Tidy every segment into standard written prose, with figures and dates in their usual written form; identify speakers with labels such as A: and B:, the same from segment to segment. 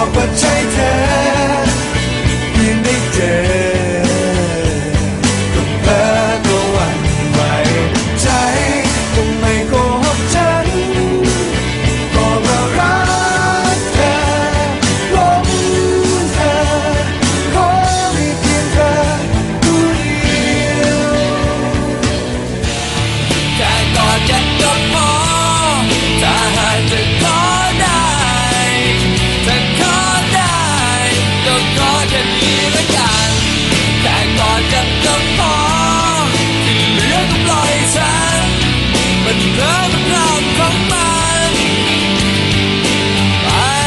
A: ว่าใช่เธอเพียงได้เจอก็เพ้อก็หวั่นไหวใจคงไม่โกหกฉันบอกว่ารักเธอหลงเธอขอมีเพียงเธอผู้เดียวแค่กอดกันก็พอถ้าหากจะขอได้ถ้าขอได้ก็ขอแค่นี้ละกันแค่กอดกันก็พอที่เหลือก็ปล่อยฉันมันเพลินรอบของมันไป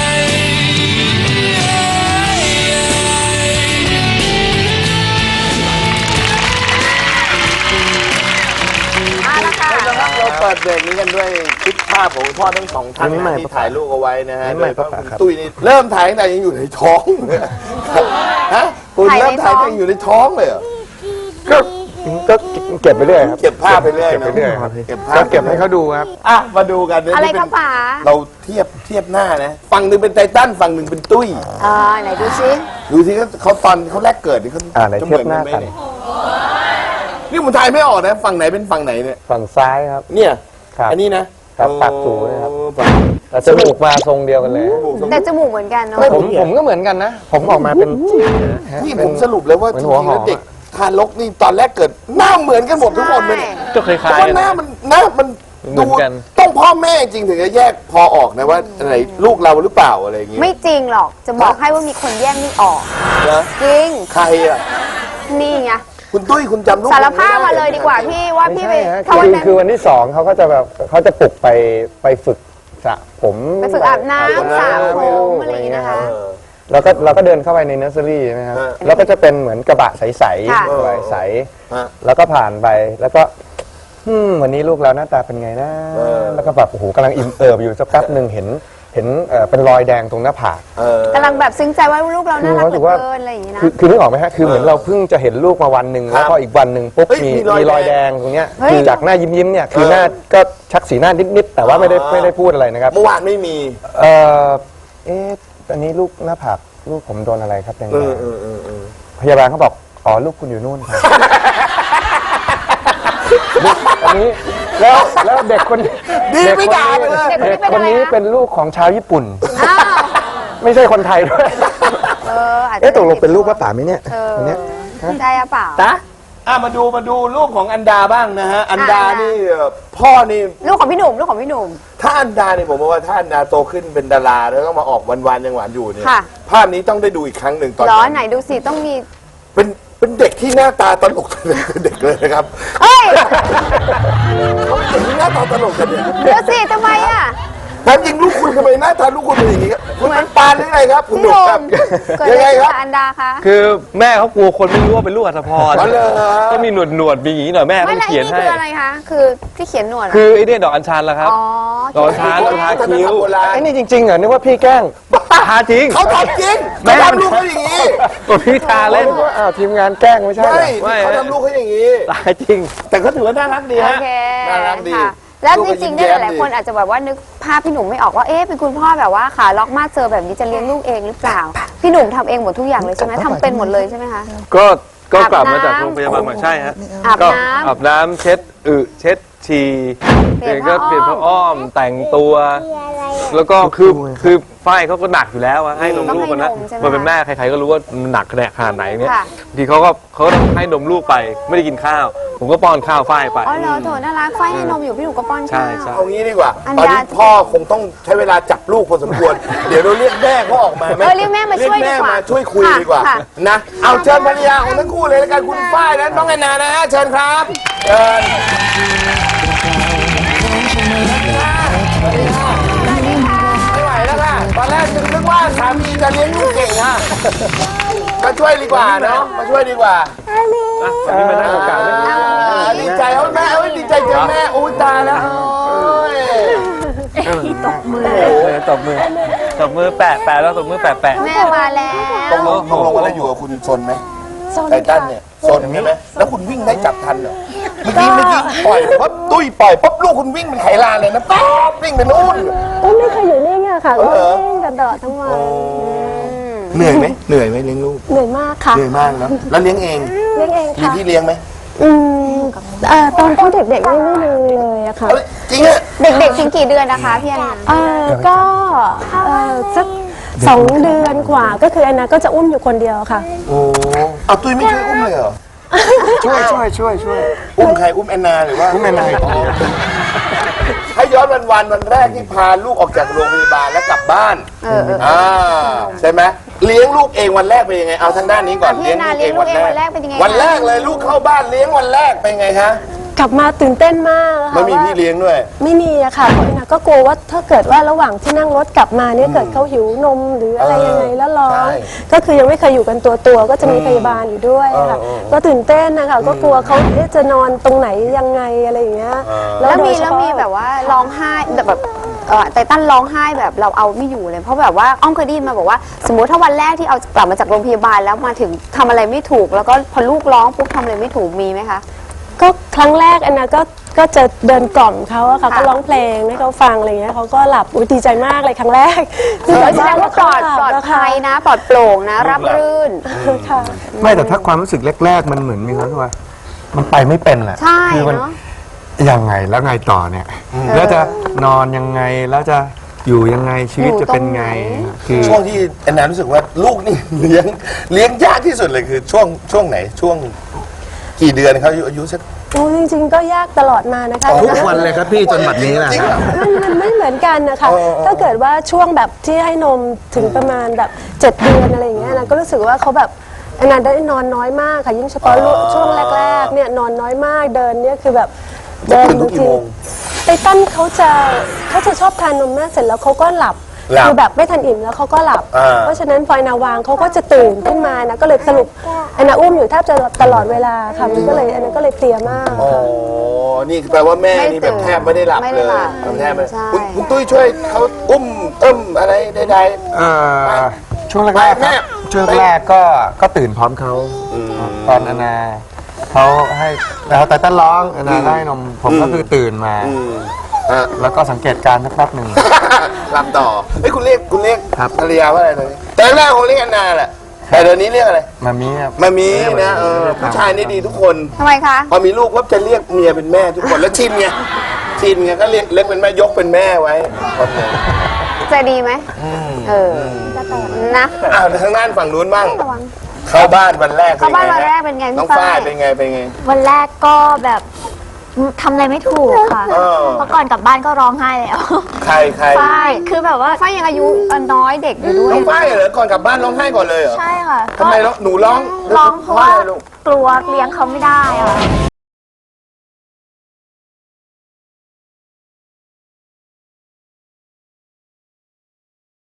B: เราเปิดเบรกนี้กันด้วยคลิปภาพของพ่อทั้งสองท่านที่ถ่ายลูกเอาไว้นะฮะโดยเฉพาะคุณตุ้ยนี่เริ่มถ่ายตั้งแต่ยังอยู่ในท้องฮะคุณเริ่มถ่ายตั้งแต่อยู่ในท้องเลยเหรอ
C: ก็เก็บไปเรื่อยครับ
B: เก็บภาพไปเรื่อย
C: เก็บไปเรื่อยครับ
B: เก็บภาพ
C: ก็เก็บให้เขาดูครับ
B: อ่ะมาดูกัน
D: อะไรครับป๋า
B: เราเทียบหน้านะฝั่งหนึ่งเป็นไททันฝั่งหนึ่งเป็นตุ้ย
D: ไหนดูซิ
B: ดูสิเขาตอนเขาแรกเกิดนี่เขา
C: ไหน
B: จะ
C: เทียบหน้า
B: ไหม
C: กัน
B: เนี่ยนี่ผมถ่ายไม่ออกนะฝั่งไหนเป็นฝั่งไหนเนี่ย
C: ฝั่งซ้ายครับ
B: เนี่ย
C: ครับ
B: อันนี้นะครับ
C: ปากสูงนะครับ
B: ปาก
C: แต่จมูกมาทรงเดียวกันเลย
D: แต่จมูกเหมือนกันเนาะ
C: ผมก็เหมือนกันนะ ผมออกมาเป็น
B: นี่ผมสรุปเลยว่า
C: เหมื
B: จ
C: อน
B: ริ
C: หัว
B: งๆ
C: หอ
B: แล้ว
C: ม
B: เด็กทารกนี่ตอนแรกเกิดหน้าเหมือนกันหมดทุกคนเลยเนี่ย
E: ก็คล้าย
B: เพราะ
E: ๆ
B: ว่า
E: กัน
B: หน้ามัน
E: เหมือนกัน
B: ต้องพ่อแม่จริงถึงจะแยกพอออกนะว่าอะไรลูกเราหรือเปล่าอะไรอย่างเงี้ย
D: ไม่จริงหรอกจะบอกให้ว่ามีคนแย่งนี่ออก
B: นะ
D: จริง
B: ใครอ่ะ
D: นี่ไง
B: คุณตุ้ยคุณจำลูก
D: สารภาพ
B: ไได้
D: มาเลยดีกว่าพี่ว่า
C: ไม่
D: พี่
C: ใช่
D: ไป
C: ฮะ
D: ถ้าวันนั้น
C: คือวันที่2เขาก็จะแบบเขาจะปลุกไปฝึกสระผม
D: ไปฝึกอาบน้ำสระผมอะไรอย่างงี้นะคะ
C: แล้วก็เราก็เดินเข้าไปในเนอร์เซอรี่นะครับแล้วก็จะเป็นเหมือนกระบะใสๆกระบะใส
B: ฮะ
C: แล้วก็ผ่านไปแล้วก็วันนี้ลูกเราหน้าตาเป็นไงนะ แล้วก็แบบโอ้โหกำลังอิ่มเอิบอยู่สักแป๊บหนึ่งเห็นเป็นรอยแดงตรงหน้าผาก
D: กำลังแบบซึ้งใจว่าลูกเราน่ารักเหลือ
C: ว่า
D: เกินอะไรอย่างงี้นะ
C: คือนึกออกไหมฮะคือเหมือนเราเพิ่งจะเห็นลูกมาวันหนึ่งแล้วพออีกวันหนึ่งปุ๊บ
B: เฮ้ย
C: มี
B: มีรอยแดง
C: รอยแดงตรงเนี้ย
D: เฮ้ย
C: คือจากหน้ายิ้มๆเนี่ยคือหน้าก็ชักสีหน้านิดๆแต่ว่าไม่ได้พูดอะไรนะครับ
B: เมื่อวานไม่มี
C: เอันนี้ลูกหน้าผากลูกผมโดนอะไรครับยังไงพยาบาลเขาบอกอ๋อลูกคุณอยู่นู่นครับ อันนี้แล้วเด็กคน
B: ดีไม่ด่าไปเลย
C: เด็กคนนี้เป็นลูกของชาวญี่ปุ่น
D: อ้าว
C: ไม่ใช่คนไทยด้วย
D: อาจจะ
C: ตกลงเป็นลูกป้าป๋าไหมเนี่ย
D: อั
C: อันเนี้ย
D: ใช่หรือเปล่า
B: มาดูลูกของอันดาบ้างนะฮะอันดานี่พ่อนี่
D: ลูกของพี่หนุ่มลูกของพี่หนุ่ม
B: ถ้าอันดาเนี่ยผมว่าถ้าอันดาโตขึ้นเป็นดาราแล้วต้องมาออกวันๆยังหวานอยู่เนี่ย
D: ค่ะ
B: ภาพนี้ต้องได้ดูอีกครั้งหนึ่งตอน
D: ร้อน
B: นั้น
D: ไหนดูสิต้องมี
B: เป็นเด็กที่หน้าตาตลกเด็กเลยนะครับ
D: เฮ้ย
B: เขาเป็นเด็กที่หน้าตาตลกกันเนี่ย
D: เดี๋ยวสิทำไมอ่ะ
B: แล้วจริงลูกคุณทำไมหน้าตาลูกคุณเป็นอย่างนี้ครับคุณเป็นปานหรือไงครับคุณ
D: พี่
B: ห
D: ห
B: นุ่ม
D: นุ่
B: ครับ
D: มเกิด
B: ยั
D: อะ
B: ง
D: ไร
B: ไง
D: ขึ้น
B: ครับ
D: กับอันดาคะ
E: คือแม่เขากลัวคนไม่รู้ว่าเป็นลูกอัศพร
B: อ๋อเหรอ
E: ก็มีหนวดมีอย่างนี้หน่อยแม่
D: ไม่
E: ต้อง
D: แล้ว
E: เขียน
D: นี่
E: ให้
D: คืออะไรคะคือที่เขียนหนวดเหรอ
E: คือไอ้เนี่ยดอกอัญชันละครับ
D: อ๋อ
E: ดอกอัญชัน
B: โบราณ
E: ทาคิ้ว
B: โบราณ
C: ไอ้นี่จริงๆเหรอนึกว่าพี่แกล้ง
E: ทาจริง
B: เขาทำจริง
E: แม่
B: เขาทำลูกเขาอย่างนี้
E: ตัวพี่ทาเล่น
C: นึกว่าอ้าวทีมงานแกล้งไม่ใช่เหรอ
B: ไม่
E: ไม่
B: เขาทำลูกเขาอย่างนี้
E: ตายจริง
B: แต่เขาถือว่าน่ารักดี
D: โอ
B: ฮะ
D: เค
B: น่ารักดี
D: ค่ะแล้ว
B: ลูก
D: จ
B: ก็
D: ริงๆ
B: ม
D: เนี่ย
B: แย้ม
D: หลายๆคน
B: ดี
D: อาจจะแบบว่านึกภาพพี่หนุ่มไม่ออกว่าเอ๊ะเป็นคุณพ่อแบบว่าขาล็อกมาเจอแบบนี้จะเลี้ยงลูกเองหรือเปล่า พี่หนุ่มทำเองหมดทุกอย่างเลยใช่ไหมทำเป็นหมดเลยใช่ไหมคะ
E: ก็
D: อาบ
E: กลับมาจาก
D: น้ำ
E: โรงพยาบาลมาใช่ฮะ
D: อาบ
E: ก็
D: น้ำ
E: อาบน้ำเช็ดเช็ดฉี่
D: เปลี่ยน
E: ก็
D: ผ้าอ้อม
E: เปลี่ยนผ้าอ้อมแต่งตัว แล้วก็คือฝ้ายเขาก็หนักอยู่แล้วอะให้นมลูกกันนะ
D: ต้องให้นมใช่ไหม
E: มันเป็นแม่ใครๆก็รู้ว่ามันหนักขนาดไหนเนี่ย
D: ค่ะ
E: บางทีเขาก็ต้องให้นมลูกไปไม่ได้กินข้าว ผมก็ป้อนข้าวฝ้ายไป
D: อ๋อเหรอโถน่ารักไฟให้นมอยู่พี่หนุ่มก็ป้อน
E: ใช่
D: ข้าว
E: ใช่
B: เอางี้ดีกว่า
D: อัน
B: ตอน
D: ดา
B: นี้พ่อคงต้องใช้เวลาจับลูกพอสมควร เดี๋ยวเราเรียกแม่เขาออกมาไหม
D: เรียกแม่มาช่วย
B: เรี
D: ดี
B: ก
D: ก
B: แม่
D: ว่า
B: มาช่วยคุย
D: ค่ะ
B: ดีกว่า
D: ค่ะ
B: นะเอาเชิญภรรยาของทั้งคู่เลยแล้วกันคุณฝ้ายและน้องแอนนานะฮะเชิญครับเชิญไม่ไหวแล้วค่ะตอนแรกนึกว่าสามีจะเลี้ยงลูกเก่งฮะมาช่วยดีกว่าเนาะมาช่วยดีกว่า
E: วันนี้มาได้โอกาสเลย
B: ดีใจเอาแม่เอาดีใจเจอแม่อุ้ยตายแล้วโอ้ย
E: ตบมือแปะแล้วตบมือแปะ
D: แม่มาแล้ว
B: ตกลงว่าแล้วอยู่กับคุณซนไหมไททันเนี่ยซนใช่ไหมแล้วคุณวิ่งได้จับทันเหรอเมื่อกี้ปล่อยปั๊บตุ้ยปล่อยปั๊บลูกคุณวิ่งเป็นไขลานเลยนะปั๊บวิ่งไปนู่น
F: ไม่เคยอยู่นี่ไงอะค่ะก็เล่นกันตลอดทั้งวัน
B: เหนื่อยไหมเลี้ยงลูก
F: เหนื่อยมากค่ะ
B: เหนื่อยมากเนาะแล้วเลี้ยงเอง
F: เลี้ยงเอง
B: มี
F: ค่ะ
B: พี่เลี้ยงไหม
F: ตอนที่เด็กๆไม่มีเลยอะค่ะ
B: เอ้ยจริงอะ
D: เด็กๆถึงกี่เดือนนะคะพี่แอนนา
F: ก็สัก2 เดือนกว่าก็คือแอนนาก็จะอุ้มอยู่คนเดียวค่ะ
B: โอ้เอาตุ้ยไม่ช่วยอุ้มเลยเหรอ
C: ช่วย
B: อุ้มใครอุ้มแอนนาหรือว่า
C: อุ้มแอนนา
B: ให้ย้อนวันแรกที่พาลูกออกจากโรงพยาบาลแล้วกลับบ้านใช่ไหมเลี้ยงลูกเองวันแรกเป็นยังไงเอาทางด้านนี้ก่อน
D: พี่แอนนาเลี้ยงลูกเองวันแรกเป็นยังไง
B: วันแรกเลยลูกเข้าบ้านเลี้ยงวันแรกเป็นยังไงคะ
F: กลับมาตื่นเต้นมากค่ะ
B: ไม่มีพี่เลี้ยงด้วย
F: ไม่มีอะค่ะเพราะแอนนาก็กลัวว่าถ้าเกิดว่าระหว่างที่นั่งรถกลับมาเนี่ยเกิดเขาหิวนมหรืออะไรยังไงแล้วร้อง
B: ใช่
F: ก็คือยังไม่เคยอยู่กันตัวก็จะมีพยาบาลอยู่ด้วยค่ะก็ตื่นเต้นนะคะก็กลัวเขาจะนอนตรงไหนยังไงอะไรอย่างเงี้ย
D: แล้ว
F: โดยเฉ
D: มี
F: พาะ
D: แบบว่าร้องไห้แบบไตตันร้องไห้แบบเราเอาไม่อยู่เลยเพราะแบบว่าอ้อมเคยได้ยินมาบอกว่า สมมุติถ้าวันแรกที่เอากลับมาจากโรงพยาบาลแล้วมาถึงทำอะไรไม่ถูก แล้วก็พอลูกร้องปุ๊บทำอะไรไม่ถูกมีไหมคะ
F: ก็ครั้งแรกแอนนาก็จะเดินกล่อมเขาอะค่ะ
D: ค่ะ
F: ก็ร้องเพลงให้เขาฟังอะไรเงี้ยเขาก็หลับอุ๊ยดีใจมากเลยครั้งแรก
D: แสดงว่าปลอด
F: เขาหบ
D: ภัยนะปลอดโปร่งนะ รับรื่น
F: ค่ะ
C: ไม่แต่ถ้าความรู้สึกแรกๆมันเหมือนมีความรู้สึกว่ามันไปไม่เป็นแหละ
D: ใช่
C: คืมั
D: เนอะ
C: ยังไงแล้วไงต่อเนี่ยแล้วจะนอนยังไงแล้วจะอยู่ยังไงชีวิตจะเป็นไงคือ
B: ช่วงที่แอนนารู้สึกว่าลูกนี่ เลี้ยงยากที่สุดเลยคือช่วงไหนช่วงกี่เดือนเขาอายุสัก
F: โอ้จริงๆก็ยากตลอดมานะคะ
C: ทุกวันเลยครับพี่จนบัดนี้แหละ
B: จริงเหรอ
F: มันไม่เหมือนกันนะคะ
B: เออ
F: ถ้าเกิดว่าช่วงแบบที่ให้นมถึงประมาณแบบ7 เดือนอะไรอย่างเงี้ยนะก็รู้สึกว่าเขาแบบแอนนาได้นอนน้อยมากค่ะยิ่งเฉพาะลูกช่วงแรกๆเนี่ยนอนน้อยมากเดินเนี่ยคือแบบเดิน
B: ตื่นทุกกี่โมง
F: ไตตันเขาจะชอบทานนมแม่เสร็จแล้วเขาก็หลับ
B: หลับ
F: คือแบบไม่ทันอิ่มแล้วเขาก็หลับ เพราะฉะนั้นพอแอนนาวางเขาก็จะตื่นขึ้นมานะก็เลยสรุปแอนนาอุ้มอยู่แทบจะตลอดเวลาค่ะมันก็เลยแอนนาก็เลยเพลียมาก
B: อ๋อ
F: ค่ะ
B: นี่แปลว่าแม่
D: ไม่
B: นี่แบบ
D: ตื่น
B: แทบไม่ได้หลับ
D: ไม่
B: เล
D: ได้
B: ย
D: หลับ
B: แทบไม่
D: ใช่
B: คุณตุ้ยช่วยเขาอุ้มอะไรใด
C: ช่วงแรกๆครับช่วงแรกก็ตื่นพร้อมเขาตอนอานาเขาให้แล้วแต่ต้นร้องอานาได้นมผมก็คือตื่นมา แล้วก็สังเกตการณ์สักแป๊บหนึ่ง
B: ๆหลับต่อเฮ้ยคุณเรียก
C: ครับ
B: ภรรยาว่าอะไรตอนนี้แต่แรกคงเรียกแอนนาแหละแต่เดี๋ยวนี้เรียกอะไร
C: มามีครับ
B: มามีนะผู้ชายนี่ดีทุกคน
D: ทำไมคะ
B: พอมีลูกก็จะเรียกเมียเป็นแม่ทุกคนแล้วชินไงก็เรียกเป็นแม่ยกเป็นแม่ไว้
D: ใจดีไหมนะ
B: อ้าวทางด้านฝั่งนู้นบ้าง
D: ระวัง
B: เข้าบ้านวันแรก
D: เข้าบ้านวันแรกเป็นไงพี่
B: น้อง
D: ฝ้าย
B: ฝ้ายเป็นไง
G: วันแรกก็แบบทำอะไรไม่ถูกค่ะ
B: เออ
G: เพราะก่อนกลับบ้านก็ร้องไห้แล้ว
B: ใคร
G: ฝ้ายคือแบบว่า
D: ฝ้ายยังอายุน้อยเด็กอยู่ด้วย
B: น้องฝ้ายเหรอก่อนกลับบ้านร้องไห้ก่อนเลยเหรอ
G: ใช่ค่ะ
B: ทำไมหนูร้อง
G: ร้องเพราะว่า
B: อะไรลูก
G: กลัวเลี้ยงเขาไม่ได้อะ